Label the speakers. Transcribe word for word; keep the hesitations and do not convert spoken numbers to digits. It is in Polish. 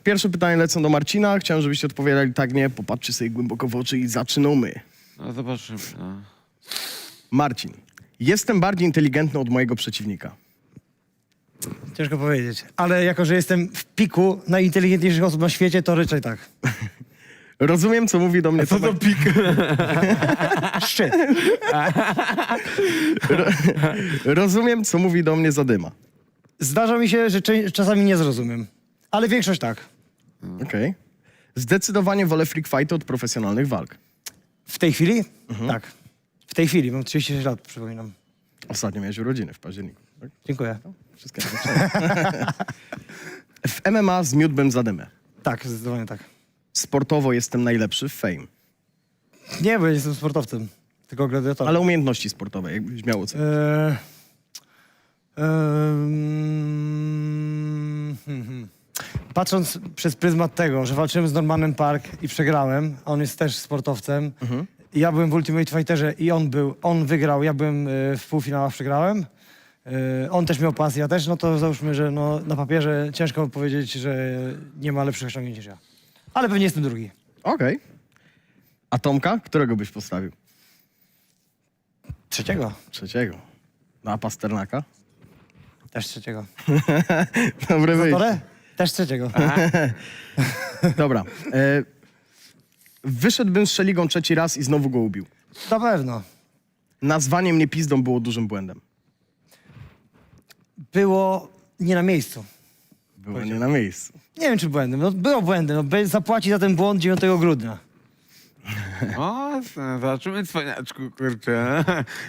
Speaker 1: Pierwsze pytanie lecą do Marcina. Chciałem, żebyście odpowiadali tak, nie. Popatrzcie sobie głęboko w oczy i zaczynamy.
Speaker 2: No zobaczymy. No.
Speaker 1: Marcin. Jestem bardziej inteligentny od mojego przeciwnika.
Speaker 3: Ciężko powiedzieć. Ale jako, że jestem w piku najinteligentniejszych osób na świecie, to raczej tak.
Speaker 1: Rozumiem, co mówi do mnie
Speaker 2: Co to
Speaker 1: Tomek...
Speaker 2: pik?
Speaker 3: Szczyt.
Speaker 1: Rozumiem, co mówi do mnie Zadyma.
Speaker 3: Zdarza mi się, że cze- czasami nie zrozumiem. Ale większość tak.
Speaker 1: Okej. Zdecydowanie wolę freak fighty od profesjonalnych walk.
Speaker 3: W tej chwili? Tak. W tej chwili. Mam trzydzieści sześć lat, przypominam.
Speaker 1: Ostatnio miałeś urodziny w październiku. Tak?
Speaker 3: Dziękuję.
Speaker 1: Wszystkie W M M A zmiótłbym Zadymę.
Speaker 3: Tak, zdecydowanie tak.
Speaker 1: Sportowo jestem najlepszy w fame.
Speaker 3: Nie, bo ja jestem sportowcem. Tylko gladiatorem.
Speaker 1: Ale umiejętności sportowe, jakbyś miał ocenić.
Speaker 3: Eee, em, hmm, hmm. Patrząc przez pryzmat tego, że walczyłem z Normanem Park i przegrałem, a on jest też sportowcem, i ja byłem w Ultimate Fighterze i on był, on wygrał, ja byłem e, w półfinałach, przegrałem. E, on też miał pas, ja też, no to załóżmy, że no, na papierze ciężko powiedzieć, że nie ma lepszych osiągnięć niż ja. Ale pewnie jestem drugi.
Speaker 1: Okej. A Tomka? Którego byś postawił?
Speaker 3: Trzeciego.
Speaker 1: Trzeciego. No a Pasternaka?
Speaker 3: Też trzeciego.
Speaker 1: Dobry wyjście.
Speaker 3: Zatorę? Też trzeciego.
Speaker 1: Dobra. E, wyszedłbym z Szeligą trzeci raz i znowu go ubił.
Speaker 3: Na pewno.
Speaker 1: Nazwanie mnie pizdą było dużym błędem.
Speaker 3: Było nie na miejscu.
Speaker 1: Było nie na miejscu.
Speaker 3: Nie wiem, czy błędem. No, było błędem. No, be- zapłaci za ten błąd dziewiątego grudnia.
Speaker 2: O, zobaczymy, cwaniaczku, kurczę.